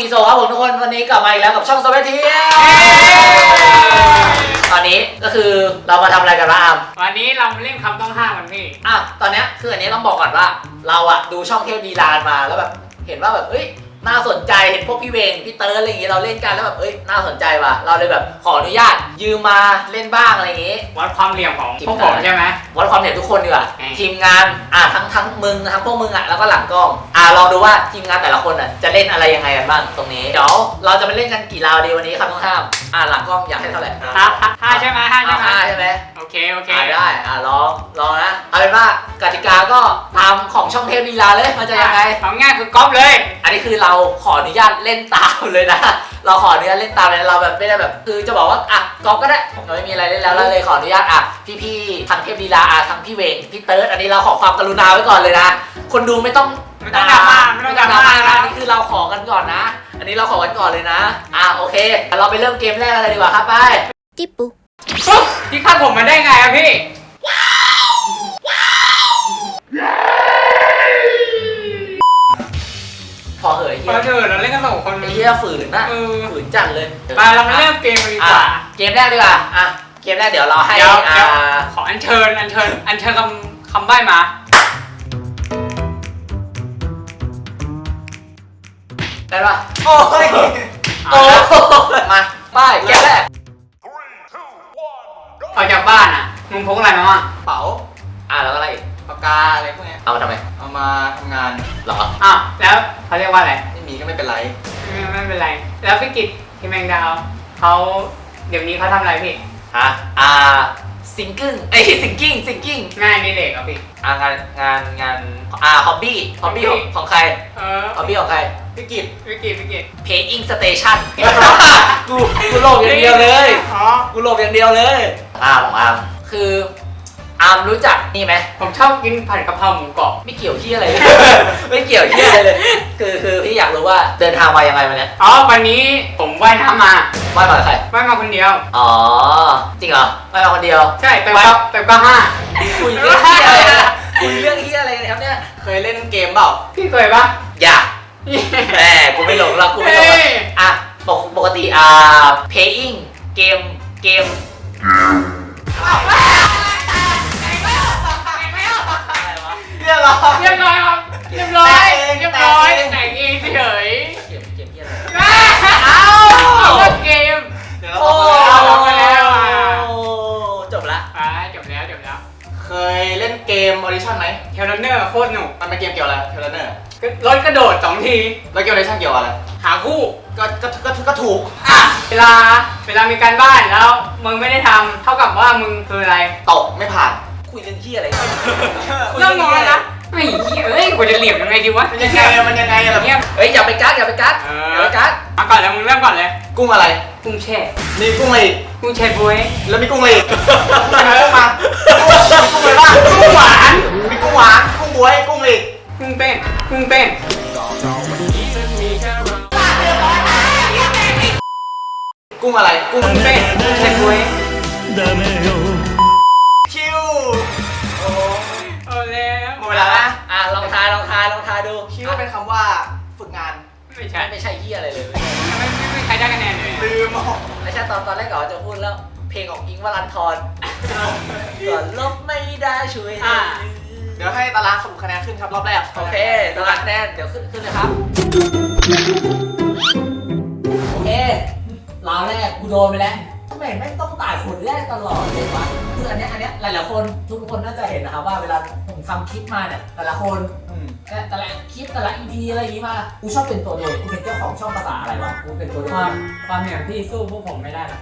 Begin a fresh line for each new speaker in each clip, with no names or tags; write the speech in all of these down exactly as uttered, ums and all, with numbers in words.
โซครับผมทุกคนวันนี้กลับมาอีกแล้วกับช่องโซเวทีตอนนี้ก็คือเรามาทำอะไรกันบ้าง
วันนี้เราเล่นคำต้องห้ามกันพี่
อ่ะตอนนี้คืออันนี้ต้องบอกก่อนว่าเราอะดูช่องเทพดีลานมาแล้วแบบเห็นว่าแบบเอ้ยน่าสนใจเห็นพวกพี่เวงพี่เติร์ดอะไรอย่างงี้เราเล่นกันแล้วแบบเอ้ยน่าสนใจว่ะเราเลยแบบขออนุญาตยืมมาเล่นบ้างอะไรอย่างงี้
วัดความเหลี่ยมของพวกผมใช่ไหม
วัดความเหลี่ยมทุกคนดีกว่าทีมงานอ่ะทั้งทั้งมึงทั้งพวกมึงอ่ะแล้วก็หลังกล้องอ่ะลองดูว่าทีมงานแต่ละคนอ่ะจะเล่นอะไรยังไงกันบ้างตรงนี้เดี๋ยวเราจะไปเล่นกันกี่ราวดีวันนี้ครับต้องห้ามอ่ะหลังกล้องอยากให้เท่าไหร่
ห้าห้าใช่ไหมห้าใช่ไหม
ห้าใช่ไหม
โอเคโอเค
ได้อ่ะลองลองนะเอาเป็นว่ากติกาก็ตามของช่องเทพดีลาเลยมันจะยังไง
ของง่ายคือก๊อปเลย
อันนี้คือเราขออนุญาตเล่นตามเลยนะเราขออนุญาตเล่นตามเลยเราแบบไม่ได้แบบคือจะบอกว่าอ่ะก๊อปก็ได้เราไม่มีอะไรเล่นแล้วเราเลยขออนุญาตอ่ะพี่ๆทางเทพดีลาอ่ะทางพี่เวงพี่เติร์ดอันนี้เราขอความกรุณาไว้ก่อนเลยนะคนดูไม่ต้อง
ไม่ต้องดราม่าไม่ต้องดราม่า
นะนี่คือเราขอกันก่อนนะอันนี้เราขอกันก่อนเลยนะอ่ะโอเคเราไปเริ่มเกมแรกเลยดีกว่าครับไป
จิ๊บปุ๊
พี่คาดผมมาได้ไงอะพี่
พอเหยเฮีย
พอเถอะเราเล่นกันสองคน
เฮียฝืนนะฝืนจัดเลย
ไปเรามาเริ่มเกมกันดีกว่า
เกมแรกดีกว่าอ่ะเกมแรกเดี๋ยวเราให้
ขออัญเชิญอัญเชิญอัญเชิญคำคำใบ้มา
ได้ปะโอ้ยโอ้มาป้ายเกมแรก
ออกจากบ้านอ่ะมึงพกอะไรมาบ้าง
เป๋าอ่ะแล้วก็อะไร
ปากกาอะไรพวกนี้
เอามาทำไม
เอามาทำงาน
หรอ
อ้าวแล้วเขาเรียกว่าอะไร
ไม่มีก็ไม่เป็นไร
ไม่ไม่เป็นไรแล้วพี่กิตพี่แมงดาวเขาเดี๋ยวนี้เขาทำอะไรพี่
ฮะอ่าซิงกิ้งเอ้ยซิงกิ้งซิงกิ้ง
งานนี่เด็กอ่ะพี่
อ่างานงานงานอ่าฮอบบี้ฮอบบี้ของใคร
เออ
ฮอบบี้ของใคร
พี่กิต
พี่กิตพี่กิต
Paying Station กูกูโหลบอย่างเดียวเลยกูโหลบอย่างเดียวเลยอาร์มของอาร์มคืออาร์มรู้จักนี่ไหม
ผมชอบกินผัดกะเพราหมูกรอบ
ไม่เกี่ยวที่อะไรเลยไม่เกี่ยวที่อะไรเลยคือคือพี่อยากรู้ว่าเดินทางมายังไงวันนี้
อ๋อวันนี้ผมว่ายน้ำมา
ว่ายมาใคร
ว่ายมาคนเดียว
อ๋อจริงเหรอว่ายมาคนเดียว
ใช่แต่ก็แต่ก็ห้า
คุยเรื่องที่อะไรคุยเรื่องที่อะไรครับเนี่ย
เคยเล่นเกมเปล่า
พี่เคยปะ
อย่าแหมกูไม่หลงหรอกกูไม่หลงอ่ะปกปกติอ่า paying เกมเกม
เรียบร้อย
เรียบร้อยครับเรียบร้อยเรียบร้อยแต่งเองเฉย
เกมเกมที่อะไร
เอ้าเกม
เดี๋ยวเรา
จบแล้ว
จบละ
อ่าจบแล้วจบแล้ว
เคยเล่นเกมออดิชั่นไหม
เทเลเนอร์โคตรหนุก
มันเป็นเกมเกี่ยวอะไรเทเลเนอร์
รถกระโดดสองที
แล้วเกมออดิชั่นเกี่ยวอะไร
หาคู่
ก็ก็ก็ก็ถูก
อ่ะเวลาเวลามีการบ้านแล้วมึงไม่ได้ทำเท่ากับว่ามึงคืออะไร
ตกไม่ผ่าน
คุยเรื่องที่อะไร
เรื่องงอนนะไม่เหี้ยเอ้ยกูจะเหลี่ยมยังไงดีวะ
มันยังไงมันยังไงแบบ
เนี้ย
เฮ้ยอย่าไปกักอย่าไปกักอย่าไปกัก
มาก่อนเลยมึงเริ่มก่อนเลย
กุ้งอะไร
กุ้งแช่
มีกุ้งอะไรอีก
กุ้งแช่บ๊วย
แล้วมีกุ้งอะไรอีกมาเริ่มมากุ้งอะไรบ้าง
กุ้งหวาน
มีกุ้งหวานกุ้งบ๊วยกุ้งอะไรอีก
กุ้งเต้นกุ้งเต้น
กุ้งอะไร
กุ้งเต้นกุ้งแช่บ๊วย
คิว
โอ้โอ้แล้ว
หมดเวลาละ
อ่ะลองทายลองทายลองทายดู
คิวเป็นคำว่าฝึกงาน
ไม่ใช่
ไม่ใช่เหี้ยอะไรเลย
ไม่ไม่ใครได้คะแนนเลย
ลืม
ไม่ใช่ตอนตอนแรกก่อนจะพูดแล้วเพลงของอิงค์วรันธรก่อนลบไม่ได้ช่วย
เดี๋ยวให้ตารางสรุปคะแนนขึ้นครับรอบแรก
โอเคตารางคะแนนเดี๋ยวขึ้นขึ้นเลยครับโอเคราวแรกกูโดนไปแล้วทำไมไม่ต้องตายคนแรกตลอดเลยวะคืออันนี้อันนี้หลายๆคนทุกคนน่าจะเห็นนะครับว่าเวลาผมทำคลิปมาเนี่ยแต่ละคนแต่ละคลิปแต่ละอีพีอะไรอย่างนี้มากูชอบเป็นตัวโดนกูเป็นเจ้าของช่องภาษาอะไรวะกูเป็นตัวโดน
ความความเหนื่อยพี่สู้พวกผมไม่ได้หรอก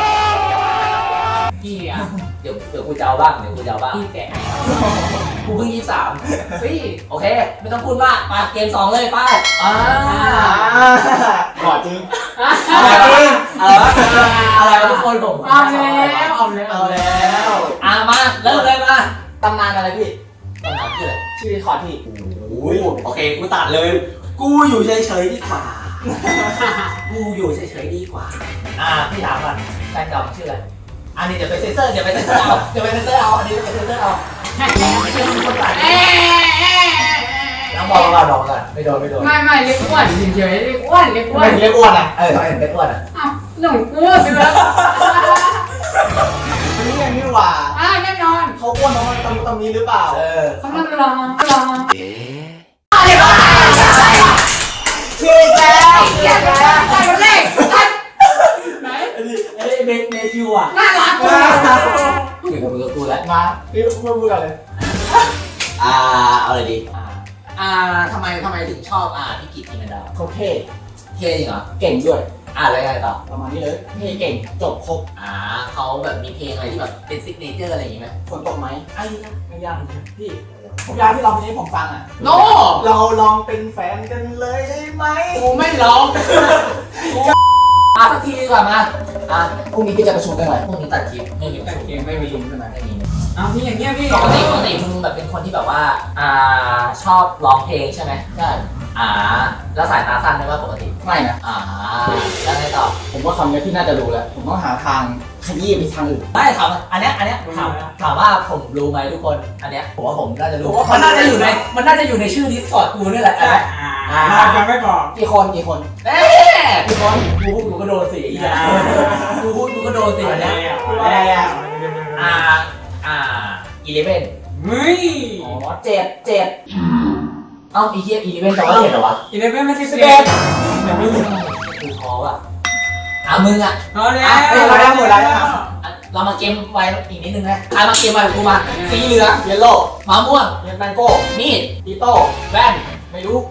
พี่อ่ะ
เดี๋ยวเดี๋ยวกูจะเอาบ้างเดี๋ยวกูจะเอาบ้าง
พี่แก่
กูเพิ่งยี่สิบสามพี่โอเคไม่ต้องพูดมากมาเกมสองเลยป้าอ่า
ขอจริง
ขอจริงอะไรวะอะไรวะทุกคนผม
เอาแล้วเอาแล้ว
เอาแล้วอ่ะมาเริ่มเลยมาตำนานอะไรพี่ตำนานชื่ออะไร
ชื่อคอร์ดพี่
โอ้ยโอเคกูตัดเลยกูอยู่เฉยๆดีกว่ากูอยู่เฉยๆดีกว่าอ่าพี่ถามก่อนแฟนเก่าชื่ออะไรอันนี้เดี๋ยวไปเซ็นเซอร์เดี๋ยวไปเซ็นเซอร์เอาเดี๋ยวไปเซ็นเซอร์เอาอันนี้ไปเซ็นเซอร์เอาไม่ใช่คนตัดต้องบอกก่อนบอกก่อนไม่โดนไม่โดน
ไม่ไม่เรียกอ้วนเฉยๆเรียกอ้วนเรียกอ้ว
ไม่
น
เรียกอ้วนอ่ะเออเขาเห็นเรียกอ้วนอ่ะ
อ้าวหนุ่มอ้วนไปแล้ว
อันนี้ยังนี่หว่า
อ่าแน่นอน
เขาอ้วนเพราะมันตำตำนี้หรือเปล่า
เออ
เขานั่งรอรอ
ชื่อแก
เรียกอะไรใส่คนแรกไหน
ไอ้นี่ไอ้เมเมคิวอ่ะ
น่ารัก
อยู่กับมือกับกูแล้ว
มาพี่พูดพูดกันเลย
อ่าเอาเลยดีอ่าอ่าทำไมทำไมถึงชอบอ่าพี่กิตติแมนดาว
เขาเท่
เท่จริงเหรอ
เก่งด้วย
อ่าอะไรไงต่อ
ประมาณนี้เลยเท่เก่งจบครบ
อ่าเขาแบบมีเพลงอะไรที่แบบเป็นซิกเนเจอร์อะไรอย่างงี้ไหม
ฝนตกไหมไอ้นะไม่ยากเลยพี่ผมอยากที่เราเพลงนี้ผมฟังอ่ะ
โน่
เราลองเป็นแฟนกันเลยได้ไหม
กูไม่ร้อง
มาสักทีดีกว่ามาอ่ะพรุ่งนี้พี่จะประชุมกันไหมพรุ่งนี้ตัดคลิปไม่มีประชุม
ไม่มีลุ้นใช่ไหม
ไม่มี
เอาพี่อย่างเงี้ยพี่
ปกติปกติมึงแบบเป็นคนที่แบบว่าอ่าชอบร้องเพลงใช่ไหม
ใช่
อ่าแล้วสายตาสั้นไหมว่าปกติ
ไม่นะ
อ่าแล้วไงต่อ
ผมว่าคำนี้พี่น่าจะรู้แล้ว ผมต้องหาทางขยี้ไปทางอื่น
ไม่ถามอันเนี้ยอันเนี้ยถามถามว่าผมรู้ไหมทุกคนอันเนี้ยผมว่าผมน่าจะรู้
ผมว่ามั
มันน่าจะอยู่ในมันน่าจะอยู่ในชื่อ Discord กูนี่แหละ
อ่าเราจะไม่บอก
กี่คนกี่คน
เอ๊ะทุกคนกูพูดกูก็โดนสิอีกแล้วกูพูดกูก็โดนสิอันเนี้ย
อะไรอ่ะ
อ่าอ่าอีเลฟเว่น
เฮ้ย
อ๋อเจ็ดเจ็ด
เอ้าอีเทียอีเลฟเว่นแต่ว่าเห็นเหรอวะ
อีเลฟเว่นไม่ใช่
สิ
สิ
บบ เอ็
เอ็
ด
ด
ยังไม่รู้กูท้ออ่ะอ่ะมึงอ่ะ
เอาเลย
อ่ะ
เอ้ยเราได้หมดแล้วนะครับ
อ่ะเรามาเกมไว้อีกนิดนึงนะใครมาเกมไว้กับกูมาสีเหลือง
เยลโล่
มะม่วง
เยลแมงโก้
มีด
อีโต้
แว่น
ไม่รู้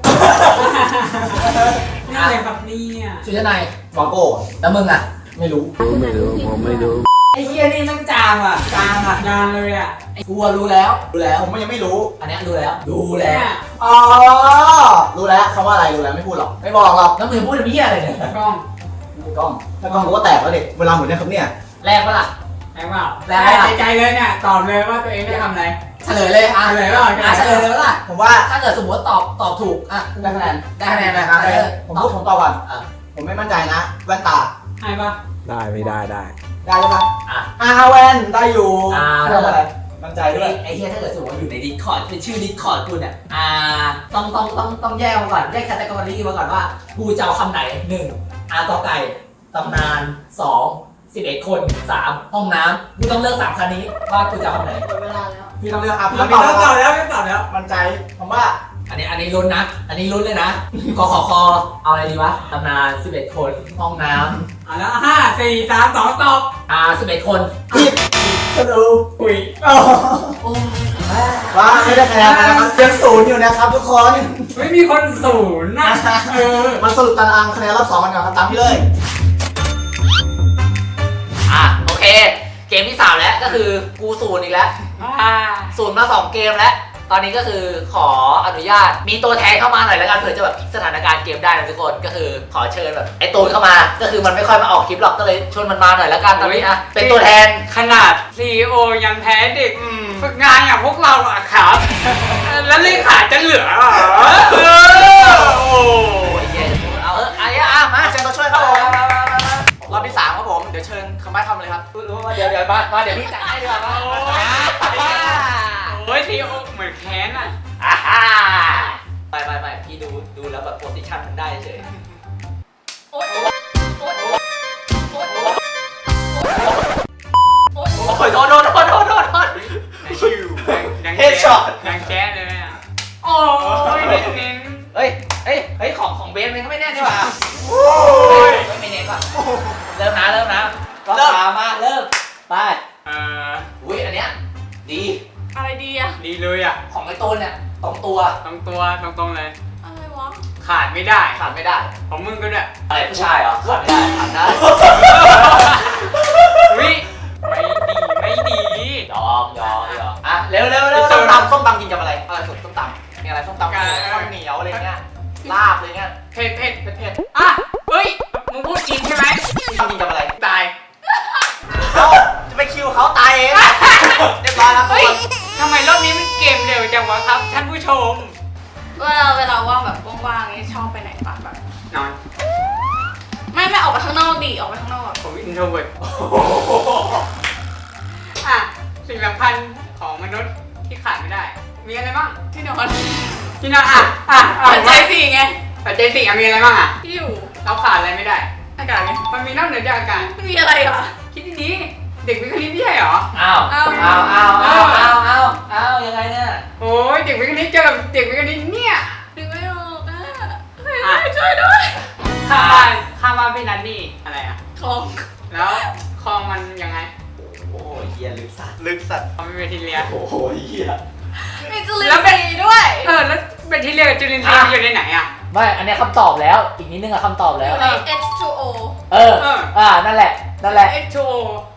นี่อะไรครับเนี่ย
ชุดชั้นใน
วาโก้
แล้วมึงอ่ะ
ไม่รู้
ไอ้เหี้ยนี่มันจางอ่ะจางอ่ะจางเลยอ่ะ
ไอ้กูอะรู้แล้วรู้แล้ว
ผมยังไม่รู้
อันเนี้ยรู้แล้วรู้
เนี่
แล้ว
ย
อ๋อ รู้แล้วคำว่าอะไรรู้แล้วไม่พูดหรอก ไม่บอกหรอก
แล้วมึงพูดเป็นเหี้ยอะไรเนี่ย
กล้อง
กล้อง ถ้ากล้องกูก็แตกแล้วเด็กเวลาหมุนเนี่ยครับเนี่ย
แรกปะล่ะ
แรงเปล่า
แรงเปล่า
ใจใจเลยเนี่ยตอบเลยว่าตัวเองได้ทำอะไร
เฉลยเลยอ่ะ
เฉลยเปล่า
อ่ะเฉลยเลยปะล่ะ
ผมว่า
ถ้าเกิดสมมติว่าตอบตอบถูกอ่ะ
ได้คะแนน
ได้คะแนนไหม
อ่ะ
เออ
ผม
ตอ
พู
บ
ดผมตอบก่อน
อ่ะ
ผมไม่มั่นใจนะ แว่นตา
ให้ปะ
ได้ไม่ได้ได้
ได้ใช่ปะ
อ่ะ
อ่าแว่นได้อยู่
อ่า
ทำอะไร มั่นใจด้วย
ไอ้เหี้ยถ้าเกิดสมมติว่าอยู่ในดิสคอร์ดเป็นชื่อดิสคอร์ดกูเนี่ยอ่าต้องต้องต้องต้องแยกมาก่อนแยกแคตตากรีมาก่อนว่ากูจะเอาคำไหนหนึ่งอากอไก่ตำนานสองสิบเอ็ดคนสามห้องน้ำกูต้องเลือกสามคำนี้ว่ากูจะเอาคำไหน
หมดเวลาแล้ว
พี่ต้องเลือกอ่ะพี่
เรา
ต้อง
ไม่
ตอบ
ต้องต
แล้
อบ
ว
แล้วไม่ตอบแล้ว
มั่นใจ ผมว่า
อันนี้อันนี้ลุ้นนะ อันนี้ลุ้นเลยนะกขอคอเอาอะไรดีวะตำนานสิบเอ็ดคนห้องน้
อ่ะแล้วห้าสี่สามสองตอบ
ำอ่าสิบเอ็ดคน
ผิดก็ดู
อุ้ย
อ๋อ
โอ้
ว่าไม่ได้คะแนนนะครับยังศูนย์อยู่นะครับทุกคน
ไม่มีคนศูนย์นะเออ
มันสรุปตารางคะแนนรอบสองกันก่อนครับตามที่เลย
อ่ะโอเค เกมที่สามแล้วก็คือกูศูนย์อีกแล้ว
อ่า
ศูนย์มาสองเกมแล้ว ตอนนี้ก็คือขออนุญาตมีตัวแทนเข้ามาหน่อยแล้วกันเผื่อจะแบบพลิกสถานการณ์เกมได้นะทุกคนก็คือขอเชิญแบบไอ้ตูนเข้ามา ก็คือมันไม่ค่อยมาออกคลิปหรอกก็เลยชวนมันมาหน่อยแล้วกันตอนนี้อ่ะเป็นตัวแทน
ขนาด ซี อี โอ ยังแพ้เด็กฝึกงานอย่างพวกเราอะครับ แล้วเลขาจะเหลือเหรอเออโอ้
โอ้ยเย็นเอาเออไอ้อ่ะมาเชิญตัวช่วยครับผม
รอบที่สามครับผมเดี๋ยวเชิญคำใบ้คำเลยครับ
รู้ว่าเดี๋ยวเดี๋ยวมามาเดี๋ยวพี่จัดให้ดีกว่ามา
โอ้ยซี อี โอ เหมือนแค้นอะ
อ่าฮ่าไปไปไปพี่ดูดูแล้วแบบโพสิชันมันได้เฉยโอ๊ยโอ๊ยโอ๊ยโอ๊ยโอ๊ยโอ๊ยโอ๊ยโดนโดนโดนโดนโดนโดน
ชิวยัง
เฮดช็อต
ยังแค้นเลยอะโอ้ยเน้น
เฮ้ยเฮ้ยเฮ้ยของของเบสมันก็ไม่แน่นี่หว่า
ๆโอ้ย
ไม่ไม่เน้นว่ะเริ่มนะเริ่มนะก็ตามมาเริ่มไป
เออ
อุ้ยอันเนี้ยดี
อะไรดีอะ
ดีเลยอะ
ของไอ้ตูนเนี่ยตรงตัว
ตรงตัวตรงตรงๆเลย
อะไรวะ
ขาดไม่ได้
ขาดไม่ได้
ของมึงก็ด้วย
อะไรผู้ชายเหรอขาดไม่ได้ขาดได้
วิไม่ดีไม่ดี
ยอมยอมยอมอ่ะเร็วเร็วเร็ว
ส้
ส้
ม
ม
ตำ
ตำ
ส้มตำกินกับอะไรอะไรสุดส้มตำมีอะไรส้มตำข้าวเหนียวอะไรเงี้ยลาบอะไรเงี้ย
เผ็ดเผ็ดเผ็ดเผ็ดอ่ะเฮ้ยมึงพูดจริงใช่ไหม
ตำกินกับอะไร
ตาย
เอ้าจะไปคิวเขาตายเองเรียบร้อยแล้วทุก
เฮ้ย
คน
ทำไมรอบนี้มันเกมเร็วจังวะครับท่านผู้ชม
เวลาเวลาว่างแบบว่างๆนี่ชอบไปไหนปะแบบ
นอน
ไม่ไม่ออกไปข้างนอกดิออกไปข้างนอก
ผมอินโทรเวิร์ดอ่ะสิ่งสำคัญของมนุษย์ที่ขาดไม่ได้ มีอะไรบ้าง
ที่นอน
พี่น้องอ่ะอ่ะอ่ะ
ปัจจัยสี่ไง
ปัจจัยสี่อ่ะมีอะไรบ้างอ่ะ
ที่อยู่
เราขาดอะไรไม่ได้
อากาศไง
มันมีนอกเหนือจากอากาศ
ไม่มีอะไรเหรอ
คิดดีๆเด็กวิทย์คณิตไม่ใช่เหรอ
อ้าว
อ้าว
อ้าวอ้าวอ้าวอ้าวอ้าวอ้าวยังไงเนี่ย
โอ้ยเด็กวิทย์คณิตเจอกับเด็กวิทย์คณิตเนี่ย
ดึงไม่ออกอ่ะใครช่วยด้วย
ข้างบ้านข้างบ้านพี่นันนี่อะไรอ่ะ
ของ
แล้วคลองมันยังไง
โอ้ยเฮียลึกสัตว์
ลึกสัตว์
คลองเป็นแบคทีเรีย
โอ้โหเฮีย
มีจุลินทรีย์ด้วย
เออแล้วแบคทีเรียกับจุลินทรีย์มันอยู่ในไหนอ่ะ
ไม่อันเนี้ยคำตอบแล้ว อีกนิดนึงอะคำตอบ
อ
แล้ว
ยู่ใน เอช ทู โอ
เออ
เออ
อ่า นั่นแหละ นั่นแหละ
เอช ทู โอ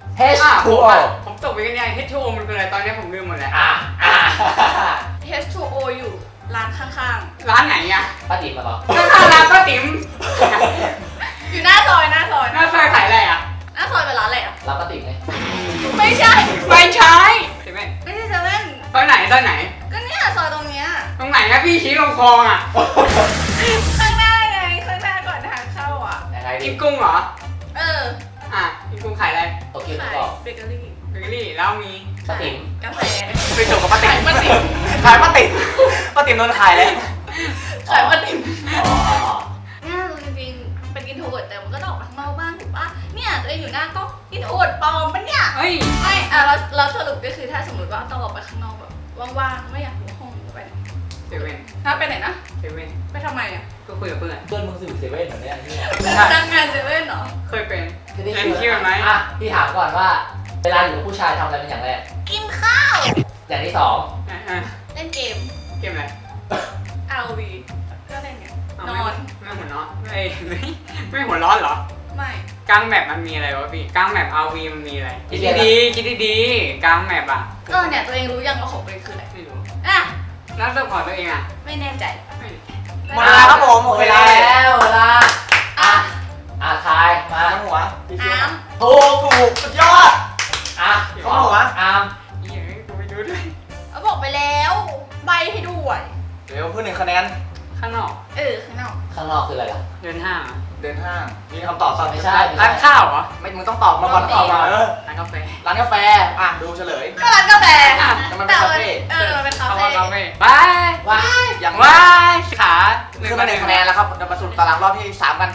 H
อ่ะ
ทู
ผม
O
อ่ะผมตกไปกันเนี่ย เอช ทู โอ มันเป็นอะไรตอนนี้ผมลืมหมดแล้ว
อ่าอ่า
เอช ทู โอ อยู่ร้านข้าง
ร้านไหนอ่ะ
ป้าติ๋มมาก่อน
ข้างๆร้านป้าติ๋ม
ๆ อยู่หน้าซอยหน้าซอย
หน้าซอยขายอะไรอ่ะ
หน้าซอยเป็นร้านอะไรอ่ะ
รับป้าติ๋มไง
ไม่ใช่
ไม่ใช่ใช่ไหม
ไม่ใช่เซเว่น
ซอยไหนซอยไหน
ก็เนี่ยซอยตรงเนี้ย
ตรงไหนนะพี่ชี้ลงคลองอ่ะ
ข้างหน้าไงข้างหน้าก่อนทางเข้าอ่ะ
ยังไงดิ
กินกุ้งเหรอ
เออ
อ่ะกินกุ้งขายอะไร
โอเค
ขาย
บอก
เบเกอรี่
เบเกอรี่แล้วมี
ป้าติ๋ม
กาแฟ
ไปจบกับป้าติ๋ม
ขายป้าติ๋ม
ขายป้าติ๋มป้าติ๋มโดนขายเลย
ขายป้าติ๋ม
อ๋ออ๋ออ๋อ
เนี่ยจริงๆเป็นอินโทรเวิร์ตแต่มันก็ต้องออกมาข้างนอกบ้างถูกปะเนี่ยตัวเองอยู่หน้าก็อินโทรเวิร์ตปลอมปะเนี่ย
เฮ้ย
ไม่อ่ะเราเราสรุปก็คือถ้าสมมติว่าต้องออกไปข้างนอกแบบว่างๆไม่อยากอยู่ห้องก็ไปไหน
เซเว่น
ถ้าไปไหนนะ
เซเว่น
ไปทำไมอ่ะ
ก็คุยกับเพื่อน
เพื่อนมึงสื่อเซเว่นเหรอเนี่ยเฮีย
พนักงานเซเว่นเหรอ
เคยเป็น
จะได้
เล่นคิวไหม
อ่ะพี่ถามก่อนว่า เวลาอยู่กับผู้ชายทำอะไรเป็นอย่างแรก
กินข้าว
อย่างที่สอง
อ่ะอ่ะ
เล่นเกม
เกมอะไร
อาร์ วี ก็เล่นไง
เอา
น
ไม่
อน
ไม่หัวเร้อนไม่ไม่ไม่หัวร้อนเหรอ
ไม่
กลางแมปมันมีอะไรวะพี่กลางแมป อาร์ วี มันมีอะไร คิดดีๆคิดดีๆกลางแมปอ่ะ
เออเนี่ยตัวเองรู้ยังว่าของตัวเองคืออะไร
ไม่รู้
อ่ะ
แล้วตัวของตัวเองอ่ะ
ไม่แน่ใจ
ไม่
หมดเวลาครับผมโอเค
เวลาแล้วเวลา
อ่ะ
อ่ะทายมา
ข้างหัว
อ้าม
ถูก
ถูกสุดยอด
อ่ะ
ข้างหัว
อาม
อีอย่างนี้กูไม่รู้ด้วย
เอาบอกไปแล้ว ใบให้ด้วย
เดี๋ยวเพื่อนหนึ่งคะแนน
ข้างนอก
เออข้างนอก
ข้างนอกคืออะไรล่ะ
เดินห้างอะ
เดินห้าง มีคำตอบสัก
ไม่ใช่
ร้านข้าวเหรอ
ไม่ มึงต้องตอบมาก่อนตอบมาเออ
ร้านกาแฟ
ร้านกาแฟ อ่ะ ดูเฉลย
ก็ร้านกาแฟ
อ่ะ
แต่มันเป็นคาเฟ่
เออมันเป็นคา
เข้า
เฟ่
มาคาเฟ่บาย
ว้าย
อย่าง
ว้ายขา
ขึ้นมาหนึ่งคะแนนแล้วครับเดี๋ยวมาสรุปตารางรอบที่สามกัน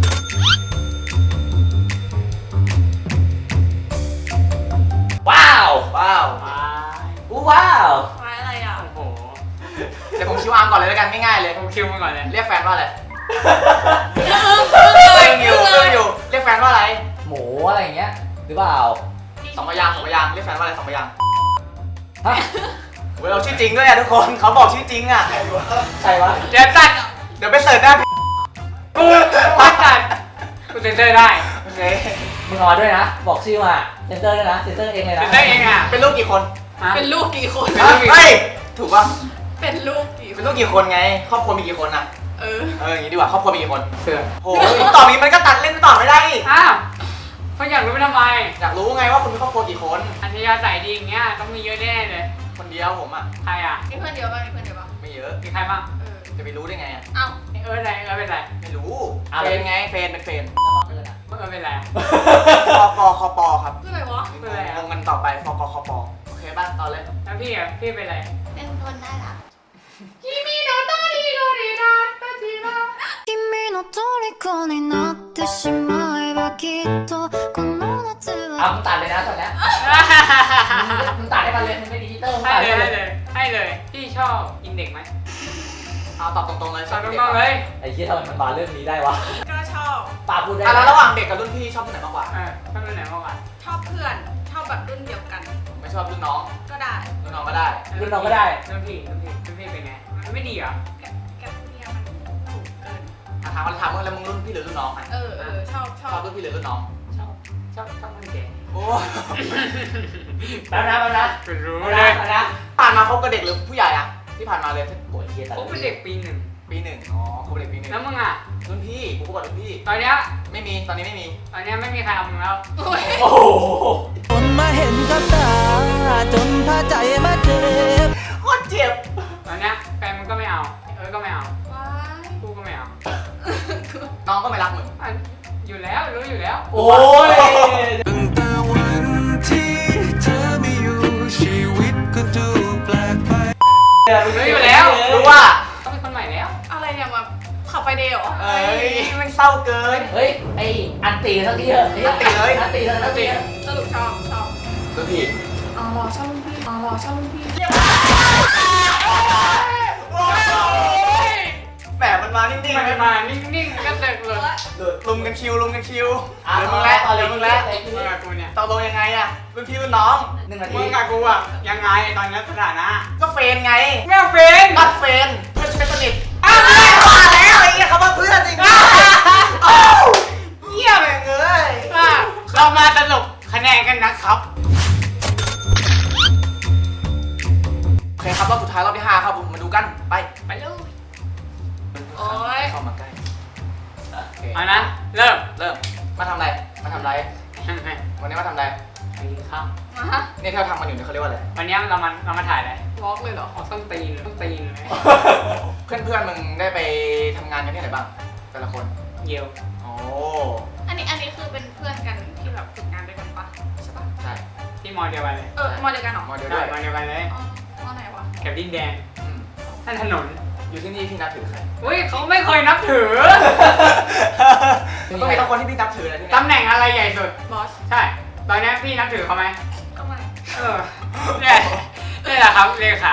ว้าว
ว้าว
ว้าย
อู้ว้าว
ไม้อะไรอ่ะ
โอ้โห
เดี๋ยวผมคิวอาร์มก่อนเลยแล้วกันง่ายๆเลย
ผมคิวมาก่อนเลย
เรียกแฟนว่าอะไร
เล
เรื่
ย
องอยู่เรื่องอยู่ เรียกแฟนว่าอะไร
หมูอะไรอย่างเงี้ยหรือเปล่า
สองพยางค์สองพยางค์เรียกแฟนว่าอะไรสองพยางค์
ฮะ
เว้ยเราชื่อจริงด้วยอะทุกคน เขาบอกชื่อจริงอะ
ใครวะ
เดี๋ยวตัด
เดี๋ยวไปเสิร์ชได้
กูไม่ตัดกูเซ็นเซอร์ได้
โอเค
มึงเอามาด้วยนะ บอกชื่อมาเซนเตอร์ด้วยนะเซนเตอร์เองเลย
เซ็
นะ
นเซอร์เองอ่ะ
เป็นลูกกี่คน
ฮะ
เป็นลูกกี่คน
เป็นลูกกี่
เฮ้ย ถูกป่ะ
เป็นลูกกี่ค
เป็น
น
ลูกกี่คนไง ครอบครัวมีกี่คนอะ
เออ
เอออย่างนี้ดีกว่า ครอบครัวมีกี่คน
เสือ
โอ้ยตอบนี้มันก็ตัดเล่นตอบไม่ได้อีก
อ้าวเขาอยากรู้ไปทำไม
อยากรู้ไงว่าคุณมีครอบครัวกี่คน
อัธยาศัยดีอย่างเงี้ยต้องมีเยอะแน่เลย
คนเดียวผมอะ
ใครอ่ะ
มีเพื่อนเดียวป่ะมีเพื่อนเดียวป่ะ
ไม่เยอะ
มีใครบ้าง
เออ
จะไปรู้ได้ไงอะ
เอ้า
เอออะไรเออเป็นไร
ไม่รู้ เฟนไง เฟนเป็นเฟน
แล้วบังเอิญอ่ะ
เออเป็นไร
คอปอคอปอครับ
คืออะไรวะ
เป็นไรอะ
งงกันต่อไปฟกคอปอโอเคป่ะต่อเลย
แล้วพี่อ่ะพี่เป็นไร
เป็นคนน่ารัก
君の虜になってしまえばきっとこの夏
เอา
は
มึงตัดเลยนะตอนเนี้ยมึงตัดให้มันเลยมึงเป็นดิจิตอลมึง
ให้
ตัด
เลย
ให้
ให้
เล
เลย ยให้เลยพี่ชอบกินเด็กไหม
เอาตอบตรงๆเลย
ชอบน้องๆเลย
ไอ้เหี้ยทำไมมันมาเรื่องนี้ได้วะ
ก็ชอบ
ป้าพูดได้
อ่ะ
นะ
แล้วระหว่างเด็กกับรุ่นพี่ชอบคนไหนมากกว่า
เออชอบเป็นไหนมากกว่า
ชอบเพื่อน ชอบแบบรุ่นเดียวกัน
ไม่ชอบรุ่นน้อง
ก็ได้
รุ่นน้องก็ได้
รุ่นน้องก็ได้
รุ่นพี่รุ่นพี่รุ่นพี่เป็นไงมันไม่ดีเหรอ
แกแกเนี่ยมันถูกเกิน
อ่ะถามมาถามว่าแล้วมึงรุ่นพี่หรือรุ่นน้องอ่ะ
เออเออชอบช
ช
อ
อ
บบ
รุ่นพี่หรือรุ่นน้อง
ชอบชอบชอบคนแก่
โอ้
แป๊บนะแป๊บนะ
เป็นรู้
แป๊บ
เล
นะ
ย
แป๊บนะ
ผ่านมาคบกับเด็กหรือผู้ใหญ่อ่ะที่ผ่านมาเลย
โอ้ยเหี้ยตัด
ผมเป็นเด็กปีหนึ่ง
ปีหนึ่งอ๋อคบกับเด็กปีหนึ่ง
แล้วมึงอ่ะ
รุ่นพี่กูคบกับรุ่นพี่
ตอนเนี้ย
ไม่มีตอนนี้ไม่มี
ตอนเนี้ยไม่มีใครเอามึงแล้ว
โอ้ย
โอ้โห
จนมาเห็นกับตาจนพาใจมาเจ็บ
โคตรเจ็บ
ตอนเนี้ยแฟนมึงก็ไม่เอาเออก็ไม่เอา
ว้าย
กูก็ไม่เอา
น้องก็ไม่รักมึง
อ่ะอยู่แล้วรู้อยู่แล้ว
โอ้ย
ตั้งแต่วันที่เธอไม่อยู่ชีวิตก็ดูแปลกไป
รู้อยู่แล้ว
รู้ว่าเศร้าเกิน
เฮ้ยไออันตีสักทีเถอะ
อันตีเลย
อันตีสักที
สรุปชอบชอบ
รุ่นพี่
อ๋อรอชอบรุ่นพี่อ๋อรอชอบรุ่นพี่
แหมมันมานิ่งๆ
มัน
เลย
มานิ่งๆก็เด็กเลย
ลุมกันคิวลุมกันคิว
อ่ะ
เหลือมึงแล้ว
ตอน
เห
เล
ลื
ย
อ
มึ
มึ
ง
ง
แล้
แล้ว ว
ไอ้ที่
มึงกับกูเนี่ย
ตกลงยังไงอะรุ่นพี่รุ่นน้อง
หนึ่งนาที
มึงกับกูอะยังไงตอนนี้สถานะ
ก็เฟรนไง
ไม่เอาเป็น
นัดเฟรนเพื่อนเป็นสนิท
อ้าว
ว่าแล้วไอ้เหี้ยเขาว่าเพื่อนจริงๆอ้าวเหี้ยแม่งเอ้ย
เรามาสรุปคะแนนกันนะครับ
โอเคครับรอบสุดท้ายรอบที่ห้าครับผมมาดูกันไป
ไปเลยโอ้ย
เข้ามาใกล้โอเค
เอานะเริ่ม
เริ่มมาทำอะไรมาทำอะไรวันนี้มาทำอะไร
ไปกินข้าว
มาฮะ
เนี่ยที่เราทำมันอยู่เนี่ยเขาเรียกว่าอะไร
วันนี้เรามาเรามาถ่ายอะไร
วอล์กเลยเหรอ
ออกต้นตีนต้นตีนเลย
เพื่อนๆมึงได้ไปทำงานกันที่ไหนบ้างแต่ละคน
เยี่ยว
โอ้
อันนี้อันนี้คือเป็นเพื่อนกันที่แบบฝึกงานด้วยกันปะใช่ปะ
ใช่
ที่มอเดียวกันเลย
เออมอเดียวกันเหรอ
มอเดียว
ได้
ด้วย
มอเดียวกันเลย
อ๋อมอไหนวะ
แถบดินแดง
อืม
ท่านถนน
อยู่ที่นี่พี่นับถือใคร
อุ้ยเขาไม่เคยนับถือ
ต้องมีทั้งคนที่พี่นับถือเลยที่
ตำแหน่งอะไรใหญ่สุด
บอส
ใช่ ตอนนี้พี่นับถือเขาไหม
ก็ไม่
เออเนี่ยนี่แหละครับเลขา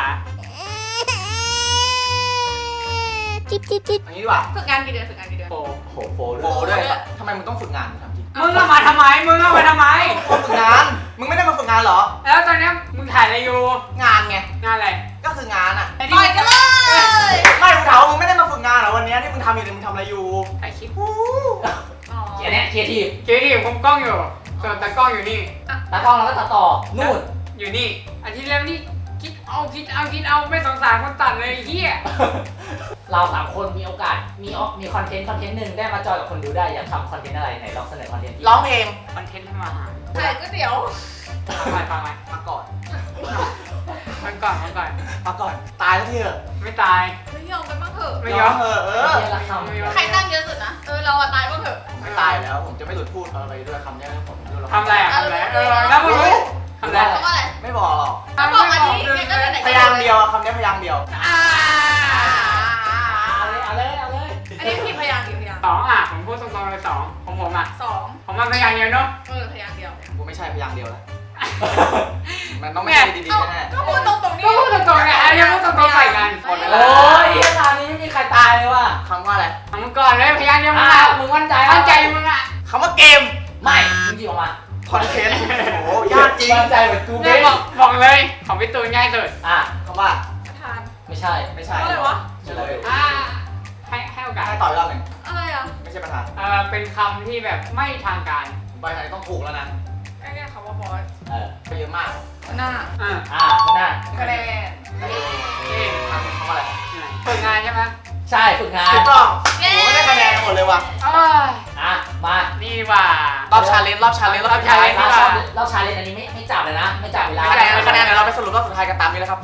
チッチッチッ
อันนี้ดีกว่า
ฝึกงานกี่เดือนฝึกงานกี่เดือน
โป
โอ้โหโฟ
โฟด้วยทำไมมึงต้องฝึกงานทำจริง
มึงเอามาทำไม มึงเอามาทำไม
ฝึกงาน มึงไม่ได้มาฝึกงานเหรอ
แล้วตอนนี้มึงถ่ายอะไรอยู่
งานไง
งานอะไร
ก็คืองานอ่ะ
ไอ้
ต่อยกันเลย
ไม่มึงถามว่ามึงไม่ได้มาฝึกงานเหรอวันนี้ที่มึงทำอยู่เนี่ยมึงทำอะไรอยู่
ถ่ายคลิป
อ๋อ
เขียนเนี่ยเขียนทีม
เจ๊ดิผมกล้องอยู่ ส่วนตากล้องอยู่นี่
ตากล้องเราก็ตัดต่อนู่น
อยู่นี่อาทิตย์แล้วนี่คิดเอาคิดเอาคิดเอาไม่สงสารคนตัดเลยไอ้เฮีย
เราสามคนมีโอกาสมีออมีคอนเทนต์คอนเทนต์หนึ่งได้มาจอยกับคนดูได้อยากทำคอนเทนต์อะไรไหนลองเสนอคอนเทนต์ที่
ร้องเพลง
คอนเทนต์ทำอาหาร
ขายก๋วยเตี๋ยว
ฟังไปฟังไป
มาก่อน
ฟังก่อนฟังก่อน
มาก่อน ตายแล้วที่เหรอ
ไม่ตาย
ไม่ยอมกันบ้างเถอะ
ไม่ยอม
เออเออ
เรียนละคำ
ไม่ยอม
ใครตั้งเยอะสุดนะ เออเราอะตายบ้างเถอะ
ผมไม่ตายแล้ว ผมจะไม่หลุดพูดอะไรด้วยคำเนี้ยผมดูแล้ว
ทำอะไรอ่ะทำอะไรเออแล้วมึงรู้ทำอะไร
เพราะว่าอะไร
ไม่บอกหรอก
เขาบอกอันนี้เนี่ยก็ไหนๆ
พยางค์เดียวคำนี้พยางค์เดียว
อ่า
เอาเลยเอาเลยเอาเลย
อันนี้พี่พยางค์กี่พยางค์
สองอ่ะผมพูดตรงๆเลยสองของผมอ่ะ
สอง
ผมมันพยางค์เดียวเนาะ
เออพยางค์เดียว
กูไม่ใช่พยางค์เดียวแล้ว มันต้องไม่ใช่ดี
เอ้า
ๆแน่
ก็พูดตรงๆนี่
ก็พูดตรงๆเนี่ยอันนี้พูดตรงๆใส่กัน
หมดเวลา
โอ้ยเวลานี้ไม่มีใครตายเลยว่ะ
ๆคำว่าอะไร
เอามึงก่อนเลยพยางค์เดียวมึง
อ่ะ
อ่ะ
มึงมั่นใจ
มั่นใจมึงอ่ะ
คำว่าเกม
ไม่มึงหยิบออกมา
คอนเทนต์ โอ้โหยากจริง
มั่นใจเหมือนกู
เนี่
เบ้
ยบอกบอกเลยของพี่ตูนง่ายสุด
อ่ะ
คำว่า
ทาน
ไม่ใช่
ไม่ใช่
อะไรวะ
เฉลย
อ่าให้ให้โอกาส
ให้ต่อยรอบหนึ่ง
อะไรอ่ะ
ไม่ใช่ประธาน
เออเป็นคำที่แบบไม่ทางการ
ผมไปทางนี้ต้องถูกแล้วนะ
แค่คำว่าบอส
เออ
ไปเยอะมาก
หน้า
อ่า
อ่ะข้างหน้า
คะแนน
เออคำคำว่าอะไร
ฝึกงานใช่ไหม
ใช่ฝึกงาน
ถูกต้องโอ้โหไม่ได้คะแนนหมดเลยว่ะ
เอ้ย
อ่ะมา
นี่ว่ะ
รอบชาเลนจ์รอบชาเลนจ์รอบ
รอบ
ชาเลน
challenge
จ์
เราชอบเราชาเลนจ์อันนี้ไม่ไม่จับเลยนะ ไม่จับเวลา
คะแนนคะแนนเดี๋ยวเราไปสรุปรอบสุดท้ายกันตามนี้เลยครับ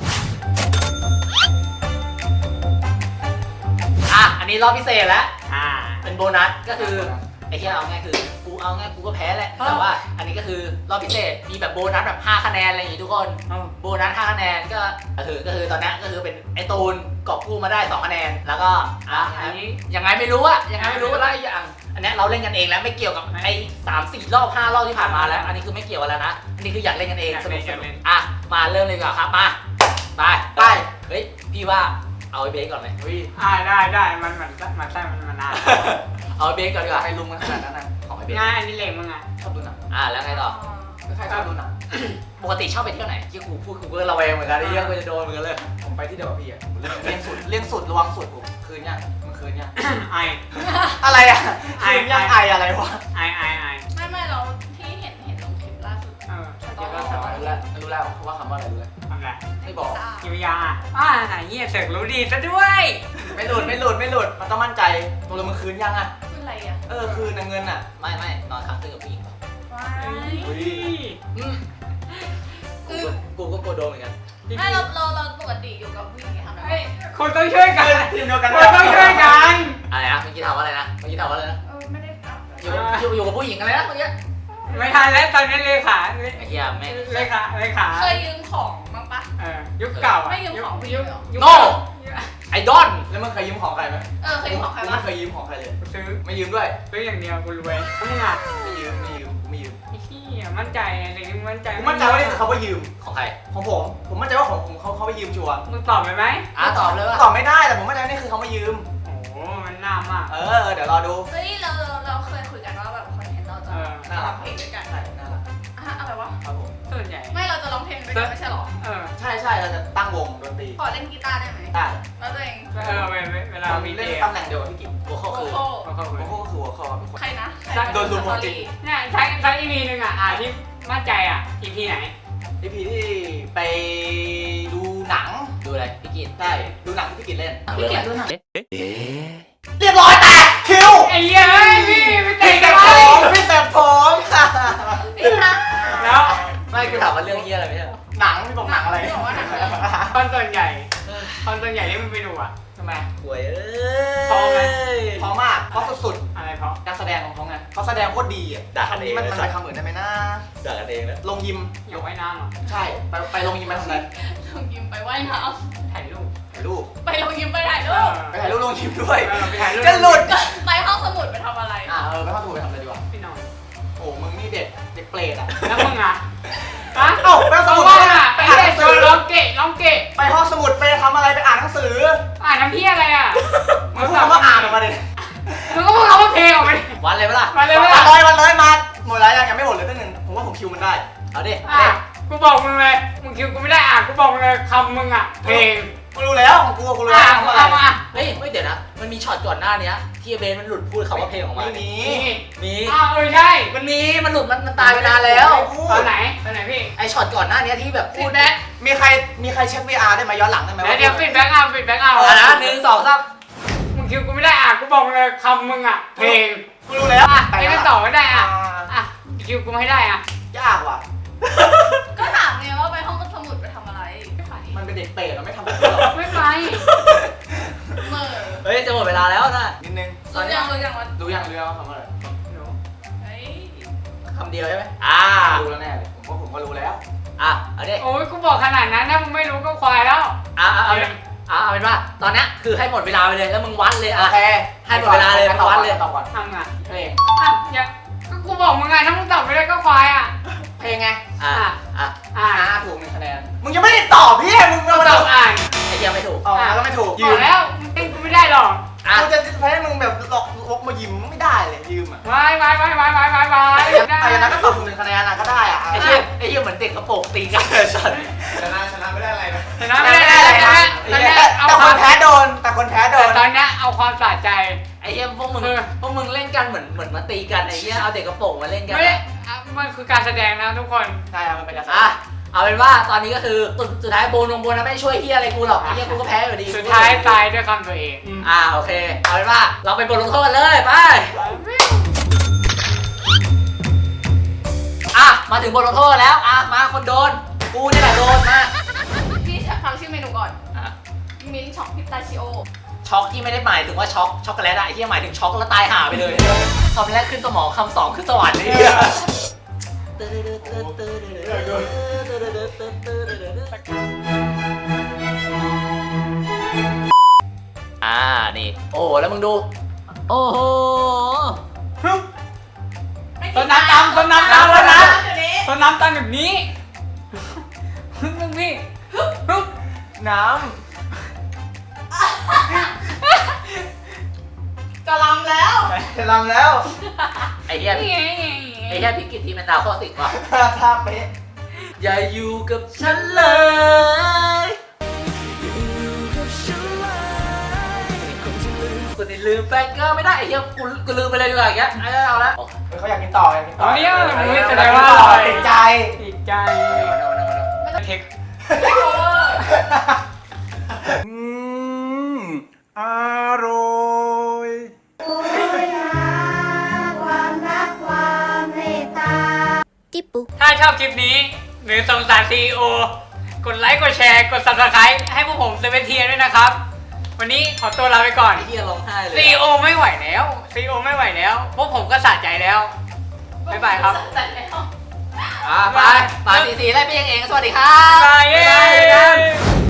อ่ะอันนี้รอบพิเศษแล้ว
อ่า
เป็นโบนัสก็คือไอ้ที่เอาง่ายคือกูเอาง่ายกูก็แพ้แหละแต่ว่าอันนี้ก็คือรอบพิเศษมีแบบโบนัสแบบห้าคะแนนอะไรอย่างงี้ทุกคนโบนัสห้าคะแนนก็ก็คือก็คือตอนนี้ก็คือเป็นไอ้ตูนกอบกู้มาได้สองคะแนนแล้วก็อ่ะอันนี้ยังไงไม่รู้อะยังไงไม่รู้แล้วอย่างอันนี้เราเล่นกันเองแล้วไม่เกี่ยวกับไอ้สามสี่รอบห้ารอบที่ผ่านมาแล้ว อันนี้คือไม่เกี่ยวกันแล้วนะอันนี้คืออยากเล่นกันเองสนุกสนุกอ่ะมาเริ่มเลยดีกว่าครับมาไป
ไป
เฮ้ยพี่ว่าเอาไอ้เบสก่อนไหม
เฮ้ย
อ่าได้ได้มันมันมันใช่มันมันนาน
เอาไอ้เบสก่อนดีกว่า
ใครลุมกันขนาดนั้นนะของไอ้เบส
ง่ายอันนี้เหลงมึงอ่ะ
ชอบดูหนัง
อ่ะแล้วไงต่อ
ใครชอบดูหนัง
ปกติชอบไปเที่ยวไหนที่กูพูดกูก็ระแวงเหมือนกันไอ้เรื่องกูจะโดนเหมือนกันเลย
ผมไปที่เดียวกับพี่อะเลี่ยงสุดเลี่ยงสุดระวังสุดผมคืนเนี่ยมันคืนเนี่ย
ไอ
อะไรอะ
ไอ
คืนยังไออะไรวะ
ไอไอไอ
ไม่ไม่เราที่เห็นเห็นลงคลิปล่าสุด
เออ
ตอน
เดี๋ยว
เรา
เรา
ส
ส
อ
อน น
รู้แล้วรู้แล้วเขาว่าคำว่าอะไรรู้แล้ว
ทำไร
ไม่บอก
กิวยาอ่าไหนเงี้ยเสกรู้ดีซะด้วย
ไม่หลุดไม่หลุดไม่หลุดมันต้องมั่นใจตัวเรามันคืนยังอะ
คืออะไรอ่ะ
เออคืนนะเงินอะ
ไม่ไม่นอนค้างคืนกับผู้หญิงเปล่า
ว้า
เฮ้
ย
ย
อืมกูก็กูก็กลัวโดนเหมือนกัน
ไม่เราเราเราปกติอยู่กับผู้หญิงทำได้
เฮ้ยคนต้องช่วยกัน
ทีมเดียวกัน
คนต้องช่วยกัน
อะไรนะเมื่อกี้ถามว่าอะไรนะเมื่อกี้ถามว่าอะไรนะ
เออไม่ได้อัพ
อยู่กับอยู่อยู่กับผู้หญิงอะไรนะเมื่อกี้
ไม่ทันแล้วตอนนี้เลขา
ไอ้เหี้ยแม่ง
เลขาเลขา
เคยยืมของบ้างปะ
เออยุคเก่า
ไม่ยืมของผู้หญิง
ยุค
เหรอ
ยุค
โน่ไอดอล
แล้วมึงเคยยืมของใครไหม
เออเคยยืมของใคร
กู
บ้าง
ไม่เคยยืมของใครเลย
กูซื้อ
ไม่ยืมด้วย
ซื้ออย่างเดียวกูรวยแล้วมึงอ่ะ
ไม่ยืมไม่ยืมไม่ยืม
ไอ้เหี้ยมั่นใจอะไรนี่มึงมั่นใจ
กูมั่นใจว่านี่คือเขาว่ายืม
ของใคร
ของผมผมมั่นใจว่าของผมเขาเขาไปยืมชัวร์
มึงตอบไปไหม
อ่ะตอบเลยว่า
ตอบไม่ได้แต่ผมมั่นใจว่านี่คือเขามายืม
โอ้โหมันน่ามาก
เออเดี๋ยวรอดู
เฮ้ยเราเราเคยคุยกันว่าแบบคอนเทนต์เราจะ
เออ
น่ารัก
เพลงด้วยกัน
ใช่น่ารัก
อ่ะอะไรวะ
ครับผม
ส่วนใหญ่
ไม่เราจะร้องเพลงด้วยกันไม่ใช่หรอ
เออ
ใช่ใช่เราจะตั้งวงดนตรี
ขอเล่นกีตาร์ได้ไหม
ได้
แล้วตัวเอง
เออเวลาเวลา
เรา
มี
มี
เด
เล่น
ย์
ตำแหน่งเดียวกับพี่กิ๊ก
โอ้โห
โอ้
คือ
โห
เขาเขา
โอ้โหคือหัวคอเป็นคน
ใครนะ
โดนรุมโมจิ
เนี่ยใช้ใช้อีพีหนึ่งอ่ะอ่ะที่มั่นใจอ่ะอีพีไหน
อีพีที่ไปดูหนัง
ดูอะไรพี่กิน
ใช่ดูหนังที่พี่กิ๊กเล่น
พี่เกียรติดูหนัง
เรียบร้อยแตกคิว
ไอ้เหี้ยเอ้ยพี่ไม่
พี่
เตะ
แต่
กัน
ผ
เลย
มพี่แต่ผมค่ะ
พี่คะ
แล้ว
ไม่กูถามว่าเรื่องเฮียอะไรไม่ใช่เหรอ
หนังพี่บอกหนังอะไร
พี่บอกว่าหนังอะไร
คอนส่วนใหญ่คอนส่วนใหญ่ที่มึงไปดูอ่ะ
ทำไม
หวยเอ้ย
พอไหม
เพราะมากเพราะสุด
อะไรเพราะ
ๆการแสดงของเขาไงเขาแสดงโคตรดีอ่ะคำนี้มันมันไปคำอื่นได้ไหมนะ
ด่ากันเองนะ
ลงยิม
อยากว่ายน้ำอ่ะ
ใช่ไปไปลงยิมไปทำอะไร
ลงยิมไปว่ายน้
ถ่ายรูป
ถ่ายรูป
ำไปลงยิมไปถ่าย
เอ
รู
อ
ป
ไปถ่ายรูปลงยิมด้วย
เออไปถ่ายรูป
จะหลุด
ไปห้องสมุดไปทำอะไร
อ่าเออไปเข้าถูกไปทำอะไรดีวะ
พี่น้อง
โอ้มึงนี่เด็กเด็กเปรตอ่ะ
แล้วมึงอ่ะฮะ
เอ้าไปห้อง
เพ
สมุ
ราะ
ด
ว่า
ไป
ไอ้
อ่านห
เด็
นั
ก
ง
โด
สื
น
อ
ร้องเกะร้องเกะ
ไปห้องสมุดไปทำอะไรไปอ่านหนังสือ
อ่านน้ำพี่อะไรอ่ะ
มึงพูดคำว่าอ่านออกมาดิ
มึงก็พูดคำว่าเพลงออกมาดิ
วันเลยปะล่ะ
มาเลย
วั
ว่ะ
นเลยวันเลยมาหมดแล้วยังยังไม่หมดเลยตั้งหนึ่งผมว่าผมคิวมันได้
เอาดิ
อ่ะกูบอกมึงเลยมึงคิวกูไม่ได้อ่ะกูบอกมึงเลยคำมึงอ่ะเพลง
กูรู้แล้วของกูกูรู้
อ่ะ
แล้ว
มึง
ว่า
เอา
อะไร
มา
เฮ้ยเฮ้ยเดี๋ยวนะ มันมีช็อตก่อนหน้าเนี้ยที่เบนมันหลุดพูดคำว่าเพลงออกมา
ไม่มี
นี่
มี
อ้าวเออใช่
มันมี มันหลุด มันมันตายไปนานแล้ว
ตอนไหนตอนไหนพี่
ไอช็อตก่อนหน้าเนี้ยที่แบบพู
ฟี
ด
ดแบ็ก
มีใครมีใครเช็ค วี อาร์ ได้ไหมย้อนหลังได้ไหม
เดี๋ยวเดี๋ยวฟีดแบ็กเอาฟีดแบ็กเอา
อ่ะนะหนึ่งสองสาม
มึงคิวกูไม่ได้อ่ะกูบอกมึงเลยคำมึงอ่ะเพลง
กูรู้แล้ว
อ่ะไม่ต่อไม่ได้อ่ะ
อ่า
อ่ะคิวกูไม่ได้อ่ะ
ยากว่ะ
ก็ถามไงว่าไปห้องสมุดไปทำอะไรไม่ไป
มันเป็นเด็กเปรตเราไม่ทำแบบนี้หรอก
ไม่ไป
เหมื่อ
เฮ้ย จะหมดเวลาแล้วนะ
นิดนึง
รู้ยังรู้ยังว่า
รู้ยังรู้ยังว่าคำว่าอะไร
เฮ้ย
คำเดียวใช่ไหมอ่า
รู้แล้วแน่เลยผมว่าผมก็รู้แล้ว
อ่ะ เอาดิ
โอ้ยกูบอกขนาดนั้นถ้ามึงไม่รู้ก็ควายแล้ว
อ่ะเอาเอาเป็นอ่ะเอาเป็นว่า ตอนเนี้ยคือให้หมดเวลาไปเลย แล้วมึงวัดเลย
โอ
อ่ะ
เค
ให้หมดเวลาเลย
ให้ตอบ
วั
ก่
ด
อน
เลย
ตอบก่อน
ทำอ่ะ
เพลง
อ่ะอย่าก็กูบอกมึงไงถ้ามึงตอบไม่ได้ก็ควายอ่ะ
เพลงไง
อ่ะ อ่ะ
อ่ะ
อ่าถูกหนึ่งคะแนนมึงยังไม่ได้ตอบพี่มึง
ก็
มา
ต
ต
อ
อ
บบ อ่าน
ไอเดียไม่ถูก
อ๋อแล้วไม่ถูก
ยืมแล้วมึงเต้นกูไม่ได้หรอก
อ่ะ
กูจะให้มึงแบบหลอกวกมายิ้มไม่ได้เลยยืมอ่ะ
วายวายวายวายวายวายวาย
ไอ้ยันนั้นก็ตอบถูกหนึ่งคะแนนอ่ะก็ได้อ่ะ
ไอเหี้ยไอเหี้ยเหมือนเด็กกระโปรงตีกันเลยสัตว์
ชนะชนะไม่ได้อะไรนะ
ชนะไม่ได้แล้วนะตอนนี้เอา
แต่
ค
ค
วาม
นแพ้โดนแต่คนแพ้โด
แต่
น
ตอนนี้เอาความสะใจ
ไอเหี้ยพวกมึง
เออ
พวกมึงเล่นกันเหมือนเหมือนมาตีกันไอเหี้ยเอาเด็กกระโปรงมาเล่นกัน
ไม่ได้อ่ะมันคือการแสดงนะทุกคน
ใช่ครับมันเป็นการแสด
อ่ะ
ง
เอาเป็นว่าตอนนี้ก็คือสุดสุดท้ายโบนงโบนนะไม่ช่วยเฮียอะไรกูหรอกไอ้เฮียกูก็แพ้อยู่ดี
สุดท้ายตายด้วยคำตัวเอง
อ่าโอเค เอาเป็นว่าเราเป็นบทลงโทษเลยไป อ่ะมาถึงบทลงโทษแล้วอ่ะมาคนโดน กูนี่แหละโดนมา
พี่ฟังชื่อเมนูก่อน
อ่ะ
มิ้นช็อกพิสตาชิโอ
ช็อกที่ไม่ได้หมายถึงว่าช็อกช็อกโกแลตอะไอ้เฮียหมายถึงช็อกแล้วตายห่าไปเลยคำแรกขึ้นสมองคำสองขึ้นสวรรค์นี่อ่านี่โอ้แล้วมึงดู โอ้โห
ต้นน้ำตำต้นน้ำตำต้นน้ำต้นน้ำตำแบบนี้ฮึบพี่ฮึบ
น้
จะลำแล้ว
ำจะลำแล้ว
ไอ้เหี้ย
นี่ไง
ไอ้เหี้ยพิกิตทีมันดาวข้อสิบว่ะ
ท่าเป๊ะ
อย่าอยู่กับฉันเลยคนที่ลืมแฟนก็ไม่ได้ไอ้เหี้ยกูกูลืมไปเลยดีกว่าอย่างเงี้ยไอ้เอาละ
เขาอยากกินต่ออยากกินต่อ
เอาเนี่ยมึงแสด
อยาก
ง
กิน
ว่า
ต่อ
อร่อย
ติดใจ
ติดใจเทค
ไม่โอเวอร์
อืมอร่อย
ティップ
ถ้าชอบคลิปนี้ หรือสงสารซีอีโอกดไลค์ กดแชร์ กด ซับสไครบ์ ให้พวกผมเซเว่นเทียด้วยนะครับ วันนี้ขอตัวลาไปก่อน
ไอ้เหี้ยร้องไห้เลย
ซีอีโอไม่ไหวแล้วซีอีโอไม่ไหวแล้ว พวกผมก็สะใจแล้ว บ๊ายบายครับ
จัดแล้ว
อ่าไปไปสีสีไล่ไปยังเอง สวัสดีครับ
บ๊ายบายเย้